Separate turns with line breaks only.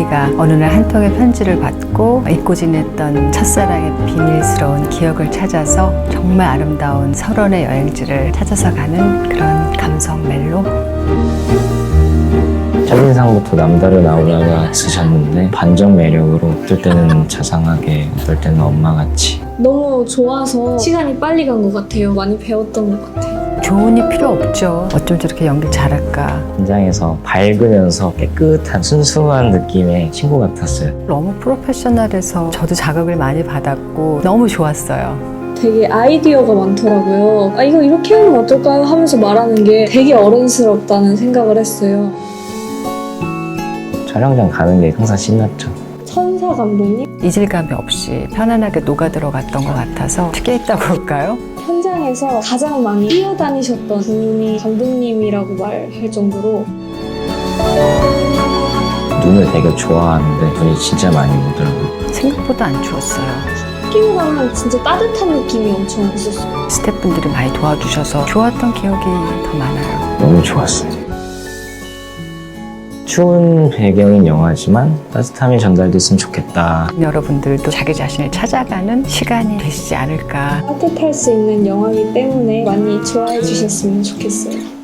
은희가 어느 날 한 통의 편지를 받고 잊고 지냈던 첫사랑의 비밀스러운 기억을 찾아서 정말 아름다운 설원의 여행지를 찾아서 가는 그런 감성 멜로.
첫인상부터 남다른 아우라가 있으셨는데 반전 매력으로 어떨 때는 자상하게 어떨 때는 엄마같이.
너무 좋아서 시간이 빨리 간 것 같아요. 많이 배웠던 것 같아요.
교훈이 필요 없죠. 어쩜 저렇게 연기를 잘할까.
현장에서 밝으면서 깨끗한 순수한 느낌의 친구 같았어요.
너무 프로페셔널해서 저도 자극을 많이 받았고 너무 좋았어요.
되게 아이디어가 많더라고요. 이거 이렇게 하면 어떨까요? 하면서 말하는 게 되게 어른스럽다는 생각을 했어요.
촬영장 가는 게 항상 신났죠.
천사 감독님?
이질감이 없이 편안하게 녹아들어갔던 것 같아서 특이했다고 할까요?
현장에서 가장 많이 뛰어다니셨던 분이 감독님이라고 말할 정도로
눈을 되게 좋아하는데 눈이 진짜 많이 오더라고요.
생각보다 안 추웠어요.
끼고 가면 진짜 따뜻한 느낌이 엄청 있었어요.
스태프분들이 많이 도와주셔서 좋았던 기억이 더 많아요.
너무 좋았어요. 추운 배경인 영화지만 따뜻함이 전달됐으면 좋겠다.
여러분들도 자기 자신을 찾아가는 시간이 되시지 않을까.
따뜻할 수 있는 영화이기 때문에 많이 좋아해 주셨으면 좋겠어요.